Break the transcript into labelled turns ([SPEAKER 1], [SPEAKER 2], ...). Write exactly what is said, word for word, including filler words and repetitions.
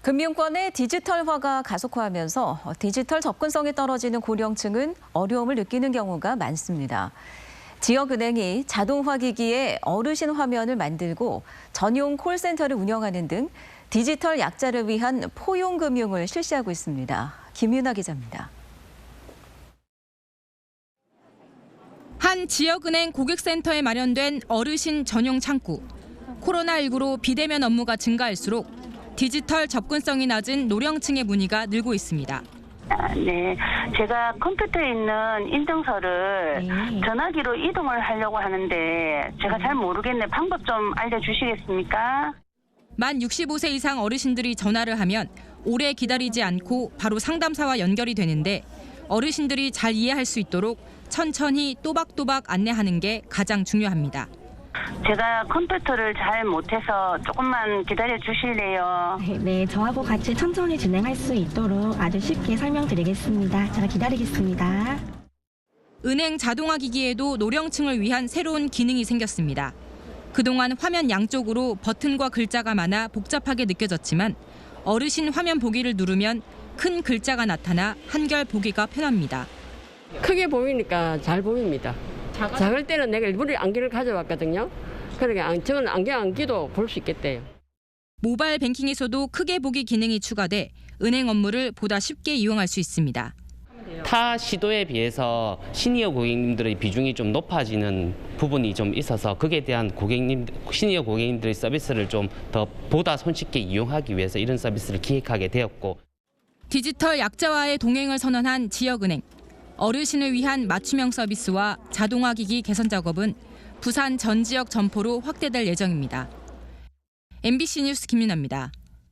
[SPEAKER 1] 금융권의 디지털화가 가속화하면서 디지털 접근성이 떨어지는 고령층은 어려움을 느끼는 경우가 많습니다. 지역은행이 자동화 기기에 어르신 화면을 만들고 전용 콜센터를 운영하는 등 디지털 약자를 위한 포용 금융을 실시하고 있습니다. 김윤아 기자입니다.
[SPEAKER 2] 한 지역은행 고객센터에 마련된 어르신 전용 창구. 코로나십구로 비대면 업무가 증가할수록 디지털 접근성이 낮은 노령층의 문의가 늘고 있습니다.
[SPEAKER 3] 아, 네, 제가 컴퓨터에 있는 인증서를 네. 전화기로 이동을 하려고 하는데 제가 잘 모르겠네. 방법 좀 알려주시겠습니까?
[SPEAKER 2] 만 육십오 세 이상 어르신들이 전화를 하면 오래 기다리지 않고 바로 상담사와 연결이 되는데 어르신들이 잘 이해할 수 있도록 천천히 또박또박 안내하는 게 가장 중요합니다.
[SPEAKER 3] 제가 컴퓨터를 잘 못해서 조금만 기다려 주실래요?
[SPEAKER 4] 네, 저하고 같이 천천히 진행할 수 있도록 아주 쉽게 설명드리겠습니다. 제가 기다리겠습니다.
[SPEAKER 2] 은행 자동화 기기에도 노령층을 위한 새로운 기능이 생겼습니다. 그동안 화면 양쪽으로 버튼과 글자가 많아 복잡하게 느껴졌지만 어르신 화면 보기를 누르면 큰 글자가 나타나 한결 보기가 편합니다.
[SPEAKER 5] 크게 보이니까 잘 보입니다. 작을 때는 내가 일부러 안경을 가져왔거든요. 그러니까 저는 안경 안 끼도 볼 수 있겠대요.
[SPEAKER 2] 모바일 뱅킹에서도 크게 보기 기능이 추가돼 은행 업무를 보다 쉽게 이용할 수 있습니다.
[SPEAKER 6] 타 시도에 비해서 시니어 고객님들의 비중이 좀 높아지는 부분이 좀 있어서 거기에 대한 고객님, 시니어 고객님들의 서비스를 좀 더 보다 손쉽게 이용하기 위해서 이런 서비스를 기획하게 되었고.
[SPEAKER 2] 디지털 약자와의 동행을 선언한 지역은행. 어르신을 위한 맞춤형 서비스와 자동화 기기 개선 작업은 부산 전 지역 점포로 확대될 예정입니다. 엠비씨 뉴스 김윤아입니다.